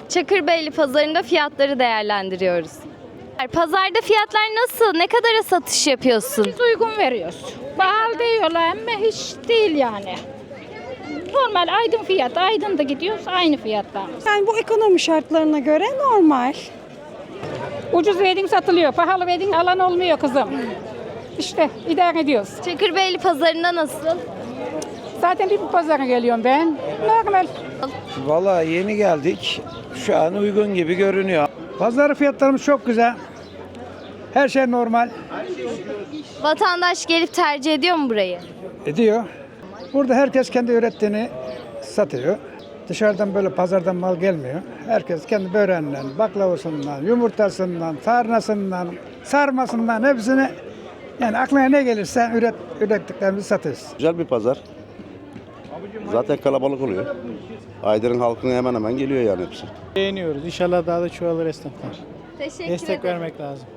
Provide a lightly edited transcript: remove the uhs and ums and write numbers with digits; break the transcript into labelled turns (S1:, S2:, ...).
S1: Çakırbeyli pazarında fiyatları değerlendiriyoruz. Pazarda fiyatlar nasıl? Ne kadara satış yapıyorsun?
S2: Biz uygun veriyoruz. Pahalı diyorlar ama hiç değil yani. Normal Aydın fiyatı. Aydın'da gidiyoruz aynı fiyatlarımız.
S3: Yani bu ekonomi şartlarına göre normal.
S2: Ucuz verdin satılıyor. Pahalı verdin alan olmuyor kızım. İşte idare ediyoruz.
S1: Çakırbeyli pazarında nasıl?
S2: Zaten bir bu pazara geliyorum ben. Normal.
S4: Vallahi yeni geldik. Şu an uygun gibi görünüyor.
S5: Pazar fiyatlarımız çok güzel. Her şey normal.
S1: Vatandaş gelip tercih ediyor mu burayı?
S5: Ediyor. Burada herkes kendi ürettiğini satıyor. Dışarıdan böyle pazardan mal gelmiyor. Herkes kendi böreğinden, baklavasından, yumurtasından, sarnasından, sarmasından hepsini yani aklına ne gelirse ürettiklerimizi satıyoruz.
S6: Güzel bir pazar. Zaten kalabalık oluyor. Aydın'ın halkına hemen hemen geliyor yani hepsi.
S7: Beğeniyoruz. İnşallah daha da çoğalır esnaflar.
S1: Teşekkür
S7: Destek
S1: ederim.
S7: vermek lazım.